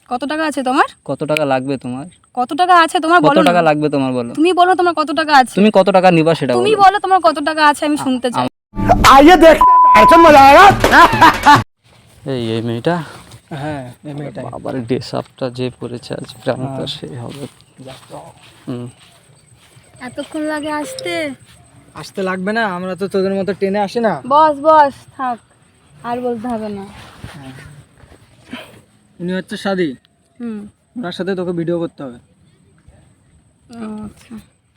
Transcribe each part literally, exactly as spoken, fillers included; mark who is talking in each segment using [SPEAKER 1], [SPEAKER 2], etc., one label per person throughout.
[SPEAKER 1] কত টাকা আছে তোমার?
[SPEAKER 2] কত টাকা লাগবে তোমার?
[SPEAKER 1] কত টাকা আছে তোমার
[SPEAKER 2] কত
[SPEAKER 1] বলো
[SPEAKER 2] টাকা
[SPEAKER 1] না।
[SPEAKER 2] লাগবে তোমার বলো?
[SPEAKER 1] তুমি বলো তোমার কত টাকা আছে।
[SPEAKER 2] তুমি কত টাকা নিবা সেটা
[SPEAKER 1] তুমি
[SPEAKER 2] বলো।
[SPEAKER 1] বলো তোমার কত টাকা আছে, আমি শুনতে চাই।
[SPEAKER 3] आइए देखते हैं ऐसा मजा आएगा।
[SPEAKER 2] এই এই মেয়েটা
[SPEAKER 3] হ্যাঁ এই মেয়েটাই।
[SPEAKER 2] আবার ড্রেস আপটা যে পরেছে আজকে আমি তো সেই হবে। হুম
[SPEAKER 1] এতক্ষণ লাগে আসতে?
[SPEAKER 3] আসতে লাগবে না, আমরা তো তোদের মতো ট্রেনে আসি না।
[SPEAKER 1] বস বস থাক, আর বলতে হবে না।
[SPEAKER 3] উনি হচ্ছে সাদি,
[SPEAKER 1] হুম
[SPEAKER 3] ওনার সাথে তোকে ভিডিও করতে হবে।
[SPEAKER 1] ও, আচ্ছা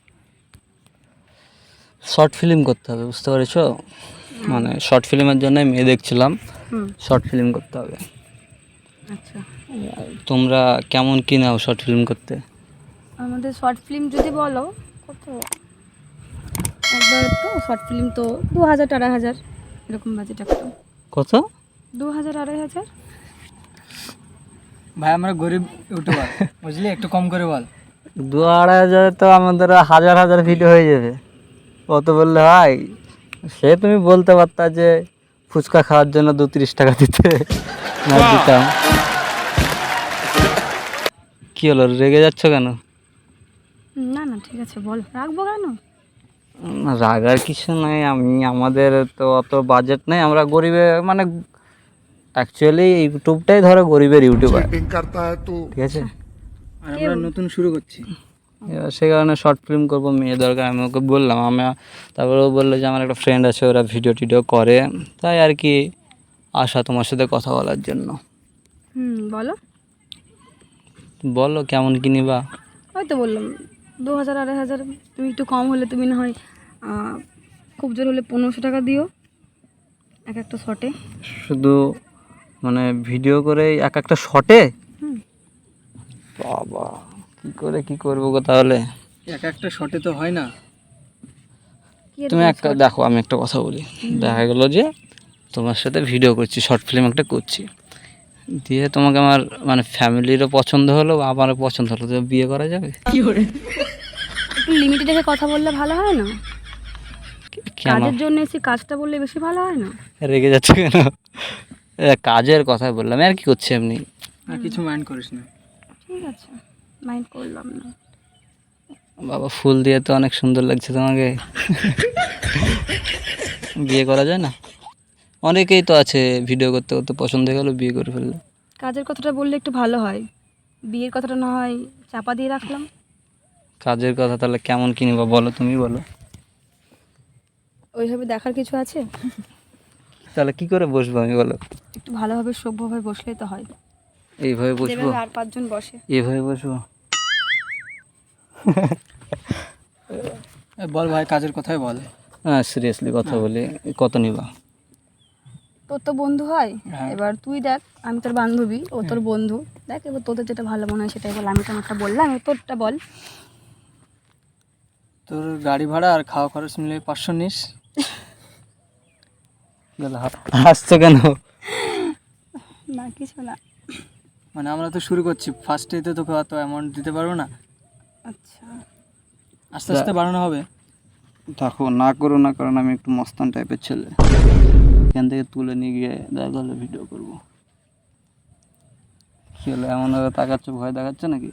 [SPEAKER 2] শর্ট ফিল্ম করতে হবে, বুঝতে পেরেছো? মানে শর্ট ফিল্মের জন্য মেয়ে দেখছিলাম,
[SPEAKER 1] হুম
[SPEAKER 2] শর্ট ফিল্ম করতে হবে।
[SPEAKER 1] আচ্ছা।
[SPEAKER 2] তোমরা কেমন কি নাও শর্ট ফিল্ম করতে?
[SPEAKER 1] আমাদের শর্ট ফিল্ম যদি বলো কত, একবার তো শর্ট ফিল্ম তো দু হাজার আড়াই হাজার এরকম বাজেট একটা।
[SPEAKER 2] কত?
[SPEAKER 1] দু হাজার আড়াই হাজার।
[SPEAKER 3] ভাই আমরা গরিব ইউটিউবার, বুঝলি, একটু কম করে বল।
[SPEAKER 2] দু আড়াই হাজারে তো আমাদের হাজার হাজার ভিডিও হয়ে যাবে, অত বললে হয়? সে তুমি বলতে পারতা যে ফুচকা খাওয়ার জন্য দু তিরিশ টাকা দিতে, না দিতাম। কি হলো, রেগে যাচ্ছ কেন?
[SPEAKER 1] না না ঠিক আছে বল, রাখবো কেন?
[SPEAKER 2] না, রাগার কিছু নাই। আমি আমাদের তো অত বাজেট নেই, আমরা গরিবে মানে অ্যাকচুয়ালি ইউটিউবটাই ধরো গরিবের ইউটিউবার, ঠিক আছে?
[SPEAKER 3] আর আমরা নতুন শুরু করছি।
[SPEAKER 2] এবার সে কারণে শর্ট ফিল্ম করবো, মেয়ে দরকার। আমি ওকে বললাম, আমি তারপরে ও বললো যে আমার একটা ফ্রেন্ড আছে, ওরা ভিডিও টিডিও করে, তাই আর কি আসা তোমার সাথে কথা বলার জন্য।
[SPEAKER 1] হুম বলো।
[SPEAKER 2] বলো কেমন কি নিবা?
[SPEAKER 1] ওই তো বললাম দু হাজার আড়াই হাজার। তুমি একটু কম হলে তুমি না হয় আহ, খুব জোর হলে পনেরোশো টাকা দিও এক একটা শটে।
[SPEAKER 2] শুধু মানে ভিডিও করে এক একটা শটে?
[SPEAKER 1] হুম
[SPEAKER 2] বাবা, কি করে কি করবো গো তাহলে?
[SPEAKER 3] এক একটা শটে তো হয় না।
[SPEAKER 1] কি এরকম
[SPEAKER 2] তুমি একটা
[SPEAKER 1] shot?
[SPEAKER 2] দেখো, আমি একটা কথা বলি। দেখা গেলো যে তোমার সাথে ভিডিও করছি, শর্ট ফিল্ম একটা করছি, দিয়ে তোমাকে আমার মানে ফ্যামিলিরও পছন্দ হলো, আমারও পছন্দ হলো, তো বিয়ে করা যাবে?
[SPEAKER 1] একটু লিমিটে দেখে কথা বললে ভালো হয় না?
[SPEAKER 2] কেন
[SPEAKER 1] কাজের জন্য এসে কাজটা বললে বেশি ভালো হয় না?
[SPEAKER 2] রেগে যাচ্ছে কেন? এ, কাজের কথা বললাম, আর কি করছি এমনি।
[SPEAKER 3] আর কিছু মাইন্ড করিস না।
[SPEAKER 1] ঠিক আছে, মাইন্ড করলাম না।
[SPEAKER 2] বাবা, ফুল দিয়ে তো অনেক সুন্দর লাগছে তোমাকে। বিয়ে করা যায় না? অনেকেই তো আছে ভিডিও করতে করতে পছন্দ হয়ে গেলো, বিয়ে করে ফেললো।
[SPEAKER 1] কাজের কথাটা বললে একটু ভালো হয়, বিয়ের কথাটা না হয় চাপা দিয়ে রাখলাম।
[SPEAKER 2] কাজের কথা তাহলে কেমন কি নিবা বলো, তুমি বলো।
[SPEAKER 1] ওইভাবে দেখার কিছু আছে?
[SPEAKER 2] তাহলে কি করে বসবো আমি, বলো?
[SPEAKER 1] একটু ভালোভাবে সভ্যভাবে বসলেই তো হয়,
[SPEAKER 2] এইভাবে বসবো?
[SPEAKER 1] যেভাবে আর পাঁচজন বসে।
[SPEAKER 2] এইভাবে বসবো?
[SPEAKER 3] এ, বল ভাই, কাজের কথাই বল।
[SPEAKER 2] হ্যাঁ, সিরিয়াসলি কথা বলি, কত নিবা?
[SPEAKER 1] তোর তো বন্ধু হয়,
[SPEAKER 3] হ্যাঁ।
[SPEAKER 1] এবার তুই দেখ, আমি তোর বান্ধবী, ও তোর বন্ধু, দেখ এবার তোদের যেটা ভালো মনে হয় সেটাই বল। আমি তো আমারটা বললাম, এবার তোরটা বল।
[SPEAKER 3] তোর গাড়ি ভাড়া আর খাওয়া খরচ মিলে পাঁচশো নিস।
[SPEAKER 2] হাসছো কেন?
[SPEAKER 1] না কিছু না।
[SPEAKER 3] মানে আমরা তো শুরু করছি, ফার্স্টেই তো তোকে অত অ্যামাউন্ট দিতে পারবো না,
[SPEAKER 1] আচ্ছা
[SPEAKER 3] আস্তে আস্তে বাড়ানো হবে।
[SPEAKER 2] দেখো, না করো না, কারণ আমি একটু মস্তান টাইপের ছেলে, এখান থেকে তুলে নিয়ে গিয়ে দেখা হলে ভিডিও করবো। কি হলো, এমনভাবে তাকাচ্ছ, ভয় দেখাচ্ছে নাকি?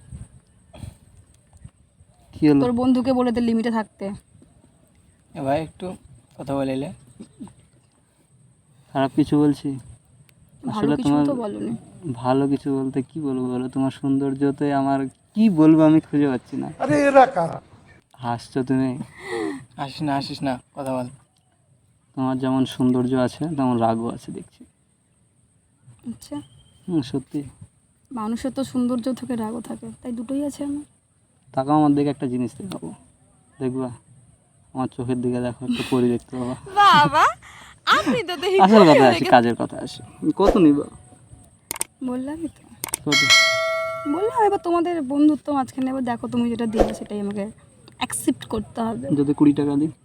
[SPEAKER 2] কি হলো?
[SPEAKER 1] তোর বন্ধুকে বলে দে লিমিটে থাকতে।
[SPEAKER 3] এ ভাই একটু কথা বলে এলে।
[SPEAKER 2] খারাপ কিছু বলছি?
[SPEAKER 1] ভালো
[SPEAKER 2] আসলে
[SPEAKER 1] কিছু
[SPEAKER 2] তোমার
[SPEAKER 1] তো বলনি।
[SPEAKER 2] ভালো কিছু বলতে কি বলবো বলো? তোমার সৌন্দর্যতে আমার কি বলবো আমি খুঁজে পাচ্ছি না। হাসছো তুমি?
[SPEAKER 3] আসিস না আসিস না, কথা বল।
[SPEAKER 2] তোমার যেমন সৌন্দর্য আছে তেমন রাগও আছে দেখছি।
[SPEAKER 1] আচ্ছা,
[SPEAKER 2] হুম, সত্যি।
[SPEAKER 1] মানুষের তো সৌন্দর্য থেকে রাগও থাকে, তাই দুটোই আছে আমার।
[SPEAKER 2] তাকাও আমার দিকে, একটা জিনিস দেখাবো, দেখবা? আমার চোখের দিকে দেখো, একটা পরি দেখতে পাবা।
[SPEAKER 1] বাবা আপনি তো দেখি
[SPEAKER 2] আসল কথা আসি, কাজের কথা আসি। কত নিবা?
[SPEAKER 1] বললামই তো,
[SPEAKER 2] কত?
[SPEAKER 1] বললাম এবার তোমাদের বন্ধুত্ব মাঝখানে, এবার দেখো তুমি যেটা দিবে সেটাই আমাকে অ্যাকসেপ্ট করতে হবে।
[SPEAKER 2] যদি কুড়ি টাকা দিই?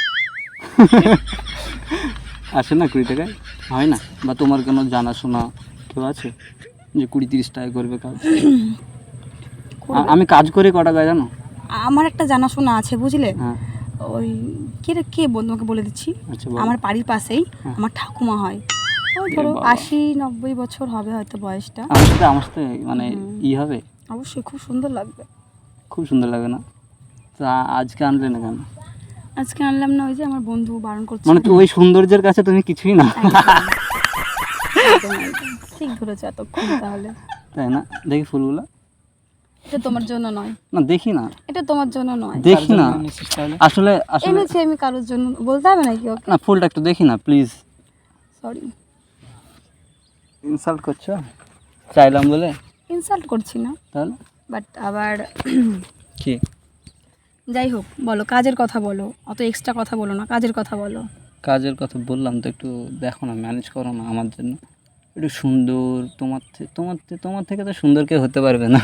[SPEAKER 2] আসে না কুড়ি টাকায়? হয় না? বা তোমার কোনো জানাশোনা কেউ আছে যে কুড়ি তিরিশ টাকা করবে কাজ? আ- আমি কাজ করি ক টাকায় জানো?
[SPEAKER 1] আমার একটা জানাশোনা আছে বুঝলে,
[SPEAKER 2] হ্যাঁ,
[SPEAKER 1] ওই কে রে কে বন্ধু, তোমাকে বলে দিচ্ছি।
[SPEAKER 2] আচ্ছা বলো।
[SPEAKER 1] আমার বাড়ির পাশেই
[SPEAKER 2] হ্যাঁ।
[SPEAKER 1] আমার ঠাকুমা হয়, ওই ধরো আশি নব্বই বছর হবে হয়তো বয়সটা।
[SPEAKER 2] আমার সাথে আমার সাথে মানে ই হবে,
[SPEAKER 1] অবশ্যই খুব সুন্দর লাগবে।
[SPEAKER 2] খুব সুন্দর লাগে না? তো আ- আজকে আনলে না কেন?
[SPEAKER 1] আজকে আনলাম না, ওই যে আমার বন্ধু বারণ করছে।
[SPEAKER 2] মানে তো ওই সৌন্দর্যের কাছে তুমি কিছুই না,
[SPEAKER 1] একদম, একদম। ঠিক ধরেছো এতক্ষণ তাহলে।
[SPEAKER 2] তাই না? দেখি ফুলগুলো।
[SPEAKER 1] এটা তোমার জন্য নয়,
[SPEAKER 2] না দেখি না,
[SPEAKER 1] এটা তোমার জন্য নয়।
[SPEAKER 2] দেখি না,
[SPEAKER 3] নিশ্চিত তাহলে
[SPEAKER 2] আসলে আসলে
[SPEAKER 1] এনেছি আমি কারোর জন্য, বলতে হবে নাকি ওকে?
[SPEAKER 2] না, ফুলটা একটু দেখি না প্লিজ।
[SPEAKER 1] সরি,
[SPEAKER 2] ইনসাল্ট করছো চাইলাম বলে?
[SPEAKER 1] ইনসাল্ট করছি না,
[SPEAKER 2] তাহলে
[SPEAKER 1] বাট আবার
[SPEAKER 2] কি?
[SPEAKER 1] যাই হোক, বলো কাজের কথা বলো, অত এক্সট্রা কথা বলো না, কাজের কথা বলো।
[SPEAKER 2] কাজের কথা বললাম তো, একটু দেখো না, ম্যানেজ করো না আমার জন্য। একটু সুন্দর, তোমার থেকে তোমার থেকে তোমার থেকে তো সুন্দর কেউ হতে পারবে না।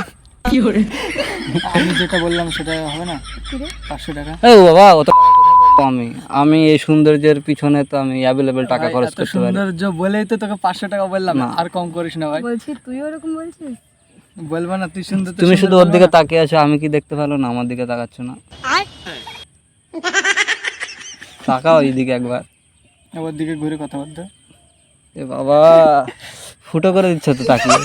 [SPEAKER 3] আমি যেটা বললাম সেটা হবে না?
[SPEAKER 1] কি রে?
[SPEAKER 3] পাঁচশো টাকা
[SPEAKER 2] এই বাবা, অত টাকা কোথায় পাবো আমি? আমি এই সৌন্দর্যের পিছনে তো আমি অ্যাভেলেবেল টাকা
[SPEAKER 3] ভাই,
[SPEAKER 2] খরচ
[SPEAKER 3] এত
[SPEAKER 2] করতে পারি।
[SPEAKER 3] সৌন্দর্য বলেই তো তোকে পাঁচশো টাকা বললাম,
[SPEAKER 2] না।
[SPEAKER 3] আর কম করিস না ভাই।
[SPEAKER 1] বলছি তুইও এরকম বলছিস?
[SPEAKER 3] বলবো না তুই সুন্দর তো
[SPEAKER 2] তুমি
[SPEAKER 3] সুন্দর
[SPEAKER 2] শুধু ওর
[SPEAKER 3] বলবো
[SPEAKER 2] দিকে
[SPEAKER 3] না।
[SPEAKER 2] তাকিয়ে আছো, আমি কি দেখতে পেলো না? আমার দিকে তাকাচ্ছ না, তাকাও এইদিকে একবার।
[SPEAKER 3] ওর দিকে ঘুরে কথা বলতে।
[SPEAKER 2] এ বাবা, ফুটো করে দিচ্ছ তো তাকিয়ে।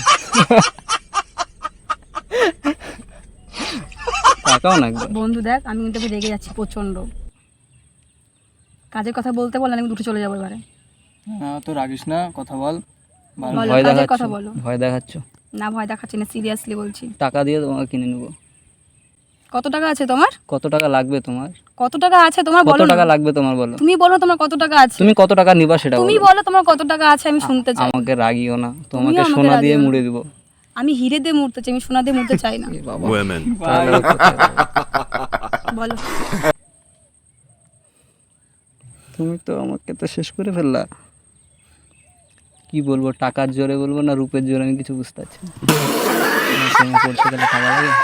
[SPEAKER 2] তাকাও না একবার।
[SPEAKER 1] বন্ধু দেখ, আমি কিন্তু এবার রেগে যাচ্ছি প্রচন্ড। কাজের কথা বলতে বল, আমি উঠে চলে যাবো এবারে।
[SPEAKER 3] না তো রাগিস না, কথা বল ভালো।
[SPEAKER 1] বলো,
[SPEAKER 2] ভয়
[SPEAKER 1] কাজের
[SPEAKER 2] দেখাচ্ছ,
[SPEAKER 1] কথা বলো।
[SPEAKER 2] ভয় দেখাচ্ছ।
[SPEAKER 1] না, ভয় দেখাচ্ছি না, সিরিয়াসলি বলছি।
[SPEAKER 2] টাকা দিয়ে তোমাকে কিনে নেবো।
[SPEAKER 1] কত টাকা আছে তোমার?
[SPEAKER 2] কত টাকা লাগবে তোমার?
[SPEAKER 1] কত টাকা আছে তোমার
[SPEAKER 2] কত
[SPEAKER 1] বলো
[SPEAKER 2] টাকা
[SPEAKER 1] না।
[SPEAKER 2] লাগবে তোমার বলো?
[SPEAKER 1] তুমি বলো তোমার কত টাকা আছে।
[SPEAKER 2] তুমি কত টাকা নিবা সেটা
[SPEAKER 1] তুমি
[SPEAKER 2] বলো।
[SPEAKER 1] বলো তোমার কত টাকা আছে, আমি শুনতে চাই।
[SPEAKER 2] আমাকে রাগিও না, তোমাকে
[SPEAKER 1] আমাকে
[SPEAKER 2] সোনা দিয়ে
[SPEAKER 1] রাগিও না।
[SPEAKER 2] মুড়ে দিব।
[SPEAKER 1] আমি হিরে দিয়ে মুড়তে চাই, আমি সোনা দিয়ে মুড়তে চাই না।
[SPEAKER 2] এ বাবা,
[SPEAKER 4] Women.
[SPEAKER 2] তাহলে আর কোথায় যাবো?
[SPEAKER 1] বলো।
[SPEAKER 2] তুমি তো আমাকে তো শেষ করে ফেললা। কি বলবো, টাকার জোরে বলবো না রূপের জোরে, আমি কিছু বুঝতে পারছি না। আমার প্রেমে পড়তে গেলে খাওয়া লাগে।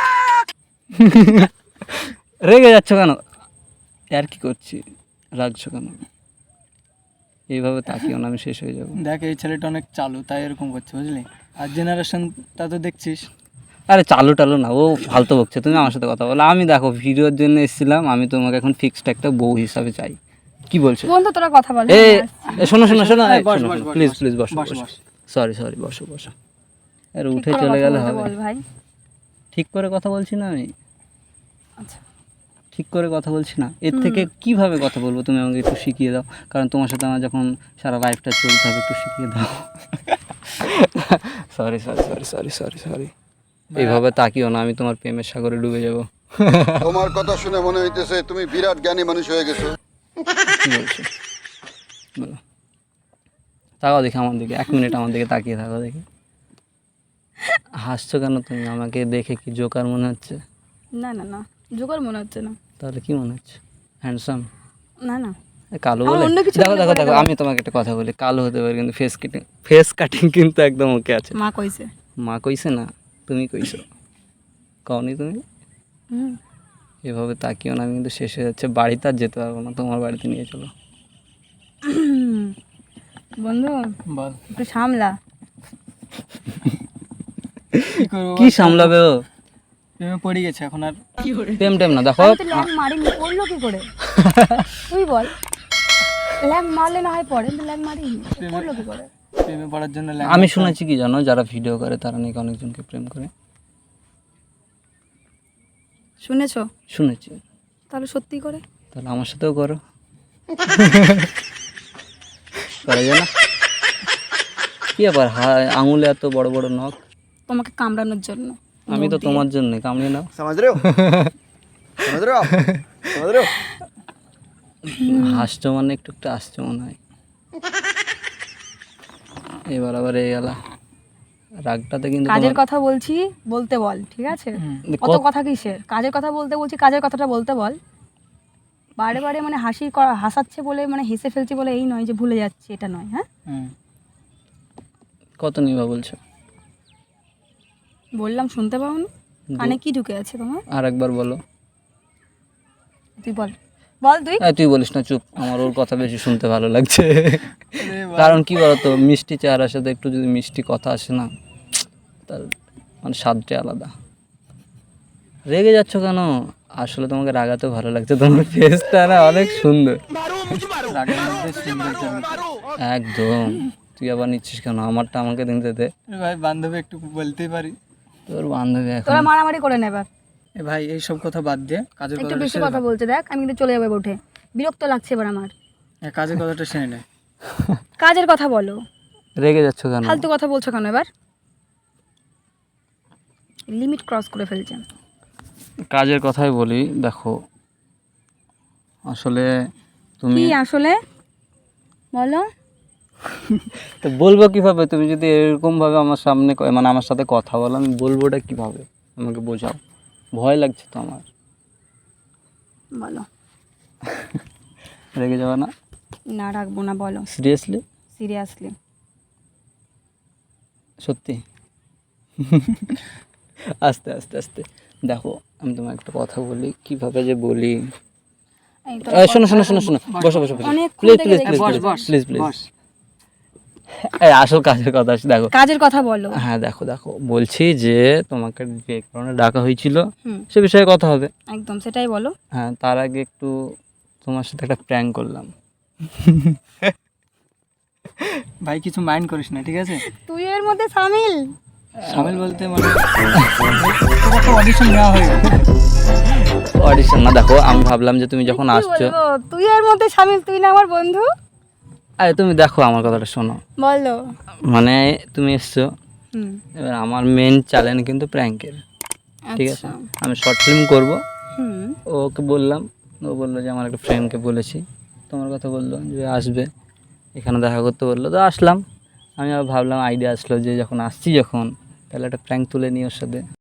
[SPEAKER 2] রেগে যাচ্ছ কেন? আর কি করছি, রাগছো কেন? এইভাবে তাকিও না, আমি শেষ হয়ে যাবো।
[SPEAKER 3] দেখ এই ছেলেটা অনেক চালু, তাই এরকম করছে বুঝলি। আর জেনারেশনটা তো দেখছিস।
[SPEAKER 2] আরে চালু টালু না, ও ফালতু বকছে। তুমি আমার সাথে কথা বলো। আমি দেখো ভিডিওর জন্য এসেছিলাম, আমি তোমাকে এখন ফিক্সড একটা বউ হিসাবে চাই। কি বলছো?
[SPEAKER 1] বন্ধু তোরা কথা বল।
[SPEAKER 2] এ এ, শোনো শোনো শোনো,
[SPEAKER 3] এই, বস, বস, বস,
[SPEAKER 2] প্লিজ
[SPEAKER 3] বস।
[SPEAKER 2] প্লিজ বসো
[SPEAKER 3] বস,
[SPEAKER 2] বসো।
[SPEAKER 3] বস।
[SPEAKER 2] সরি সরি, বসো বসো। আরে
[SPEAKER 1] ঠিক
[SPEAKER 2] উঠে
[SPEAKER 1] করে
[SPEAKER 2] চলে
[SPEAKER 1] কথা
[SPEAKER 2] গেলে
[SPEAKER 1] বলতে
[SPEAKER 2] হবে?
[SPEAKER 1] বল ভাই।
[SPEAKER 2] ঠিক করে কথা বলছি না আমি,
[SPEAKER 1] আচ্ছা,
[SPEAKER 2] ঠিক করে কথা বলছি না। এর থেকে কিভাবে কথা বলবো তুমি আমাকে একটু শিখিয়ে দাও, কারণ তোমার সাথে আমার যখন সারা লাইফটা চলতে হবে, একটু শিখিয়ে দাও। Sorry sorry sorry sorry sorry sorry এইভাবে তাকিও না, আমি তোমার প্রেমের সাগরে ডুবে যাব।
[SPEAKER 5] তোমার কথা শুনে মনে হইতেছে তুমি বিরাট জ্ঞানী মানুষ হয়ে গেছো।
[SPEAKER 2] কি বলছো বলো? তাকাও দেখি আমার দিকে, এক মিনিট আমার দিকে তাকিয়ে থাকো দেখি। হাসছো কেন তুমি? আমাকে দেখে কি জোকার মনে হচ্ছে?
[SPEAKER 1] না না না, জোগাড় মনে হচ্ছে না।
[SPEAKER 2] তাহলে কি মনে হচ্ছে? হ্যান্ডসাম?
[SPEAKER 1] না না,
[SPEAKER 2] কালো
[SPEAKER 1] আমার
[SPEAKER 2] বলে?
[SPEAKER 1] অন্য কিছু
[SPEAKER 2] দেখো
[SPEAKER 1] মনে
[SPEAKER 2] দেখো
[SPEAKER 1] পড়ে
[SPEAKER 2] দেখো,
[SPEAKER 1] গেল।
[SPEAKER 2] আমি তোমাকে একটা কথা বলি, কালো হতে পারে কিন্তু ফেস কাটিং, ফেস কাটিং কিন্তু একদম ওকে আছে।
[SPEAKER 1] মা কইছে।
[SPEAKER 2] মা কইছে না, তুমি কইছো। কওনি তুমি?
[SPEAKER 1] হুম।
[SPEAKER 2] এভাবে তাকিও না, আমি কিন্তু শেষ হয়ে যাচ্ছে, বাড়িতে আর যেতে পারবো না, তোমার বাড়িতে নিয়ে চলো।
[SPEAKER 1] বন্ধু
[SPEAKER 3] বল
[SPEAKER 1] একটু সামলা।
[SPEAKER 3] কি করবো
[SPEAKER 2] কি
[SPEAKER 3] বল?
[SPEAKER 2] সামলাবে ও?
[SPEAKER 3] প্রেমে পড়ে গেছে এখন আর।
[SPEAKER 2] টেম টেম না, দেখো
[SPEAKER 1] আমি তো ল্যাং মারিনি, পড়লো কি করে? তুই বল। ল্যাং মারলে না হয় পড়ে, কিন্তু ল্যাং মারিনি, পড়লো কি করে?
[SPEAKER 3] প্রেমে পড়ার জন্য
[SPEAKER 2] আমি শুনেছি কি জানো, যারা ভিডিও করে তারা নাকি অনেকজনকে প্রেম করে।
[SPEAKER 1] শুনেছো?
[SPEAKER 2] শুনেছি।
[SPEAKER 1] তাহলে সত্যি করে।
[SPEAKER 2] তাহলে আমার সাথেও করো। করা যায় না? কি ব্যাপার, হায় আঙুলে এত বড় বড় নখ?
[SPEAKER 1] তোমাকে কামড়ানোর জন্য।
[SPEAKER 2] আমি তো তোমার জন্য, কামড়ে নাও।
[SPEAKER 5] समझ रहे हो समझ रहे हो आप समझ रहे हो
[SPEAKER 2] হাসছো মানে একটু একটু আসছো মনে হয়। এবার আবার এই গেলা রাগটাতে কিন্তু
[SPEAKER 1] কাজের
[SPEAKER 2] তোমার-
[SPEAKER 1] কথা বলছি, বলতে বল, ঠিক আছে? কত
[SPEAKER 2] কত-
[SPEAKER 1] কথা কিসের? কাজের কথা বলতে বলছি, কাজের কথাটা বলতে বল। বারে বারে মানে হাসি করা, হাসাচ্ছে বলে মানে হেসে ফেলছি বলে এই নয় যে ভুলে যাচ্ছি, এটা নয়। হ্যাঁ,
[SPEAKER 3] হুম।
[SPEAKER 2] কত নিবা বলছো?
[SPEAKER 1] বললাম শুনতে পাও না? কানে কি ঢুকে আছে তোমার?
[SPEAKER 2] আর একবার বলো।
[SPEAKER 1] তুই বল, বল তুই।
[SPEAKER 2] এই, তুই বলিস না, চুপ। আমার ওর কথা বেশি শুনতে ভালো লাগছে। কারণ কি বলতো, মিষ্টি চেহারার সাথে একটু যদি মিষ্টি কথা আসে না, তার মানে স্বাদটা আলাদা। রেগে যাচ্ছ কেন? আসলে তোমাকে রাগাতে ভালো লাগছে, তোমার ফেসটা না অনেক সুন্দর।
[SPEAKER 3] রাগের মধ্যে সুন্দর জন্য।
[SPEAKER 2] একদম। তুই আবার নিচ্ছিস কেন? আমারটা আমাকে দিতে দে।
[SPEAKER 3] এ ভাই বান্ধবী একটু বলতেই পারি।
[SPEAKER 2] তোর বান্ধবী এখন
[SPEAKER 1] তোরা মারামারি করে নে এবার।
[SPEAKER 3] এ ভাই এইসব কথা বাদ দিয়ে কাজের
[SPEAKER 1] একটু
[SPEAKER 3] কথাটা
[SPEAKER 1] বেশি
[SPEAKER 3] সেরে
[SPEAKER 1] কথা বলছে, দেখ আমি কিন্তু চলে যাবো উঠে, বিরক্ত লাগছে এবার আমার।
[SPEAKER 3] এ কাজের কথাটা শুনে নেয়।
[SPEAKER 1] কাজের কথা বলো,
[SPEAKER 2] রেগে যাচ্ছ কেন?
[SPEAKER 1] ফালতু কথা বলছো কেন এবার? লিমিট ক্রস করে ফেলছেন।
[SPEAKER 2] কাজের কথাই বলি, দেখো আসলে তুমি
[SPEAKER 1] কি আসলে বলো?
[SPEAKER 2] তো বলবো কিভাবে? তুমি যদি এরকম ভাবে আমার সামনে ক- মানে আমার সাথে কথা বলো, আমি বলবোটা কিভাবে? আমাকে বোঝাও, ভয় লাগছে তো আমার।
[SPEAKER 1] বলো।
[SPEAKER 2] রেগে যাবে না?
[SPEAKER 1] না রাখবো না, বলো
[SPEAKER 2] সিরিয়াসলি?
[SPEAKER 1] সিরিয়াসলি।
[SPEAKER 2] সত্যি? আস্তে আস্তে আস্তে দেখো, আমি তোমার একটা কথা বলি, কিভাবে যে বলি।
[SPEAKER 1] এই তো
[SPEAKER 2] এই, শোনো শোনো শোনো শোনো, বসো বসো বসো,
[SPEAKER 1] অনেকক্ষণ
[SPEAKER 2] প্লিজ
[SPEAKER 1] থেকে
[SPEAKER 2] প্লিজ
[SPEAKER 1] দেখছি।
[SPEAKER 2] Please
[SPEAKER 3] boss boss
[SPEAKER 2] please please.
[SPEAKER 3] Boss.
[SPEAKER 2] এই আসল কাজের কথা আছে, দেখো।
[SPEAKER 1] কাজের কথা বলো।
[SPEAKER 2] হ্যাঁ দেখো দেখো, বলছি যে তোমাকে যে কারণে ডাকা হয়েছিল
[SPEAKER 1] হুম,
[SPEAKER 2] সে বিষয়ে কথা হবে।
[SPEAKER 1] একদম সেটাই বলো।
[SPEAKER 2] হ্যাঁ, তার আগে একটু তোমার সাথে একটা প্র্যাঙ্ক করলাম।
[SPEAKER 3] ভাই কিছু মাইন্ড করিস না, ঠিক আছে?
[SPEAKER 1] তুই এর মধ্যে সামিল?
[SPEAKER 3] সামিল বলতে মানে অডিশন নেওয়া হয়ে গেছে।
[SPEAKER 2] অডিশন না, দেখো আমি ভাবলাম যে তুমি যখন
[SPEAKER 1] কি
[SPEAKER 2] আসছো,
[SPEAKER 1] বলবো, তুই এর মধ্যে সামিল? তুই না আমার বন্ধু?
[SPEAKER 2] আরে তুমি দেখো আমার কথাটা শোনো,
[SPEAKER 1] বলো।
[SPEAKER 2] মানে তুমি এসছো,
[SPEAKER 1] হুম,
[SPEAKER 2] এবার আমার মেন চ্যালেঞ্জ কিন্তু প্র্যাঙ্কের, ঠিক আছে?
[SPEAKER 1] আচ্ছা।
[SPEAKER 2] আমি শর্ট ফিল্ম করব,
[SPEAKER 1] হুম,
[SPEAKER 2] ওকে বললাম, ও বললো যে আমার একটা ফ্রেন্ডকে বলেছি, তোমার কথা বললো যে আসবে এখানে দেখা করতে, বললো তো আসলাম। আমি আবার ভাবলাম, আইডিয়া আসলো যে যখন আসছি যখন, তাহলে একটা প্র্যাঙ্ক তুলে নিই ওর সাথে।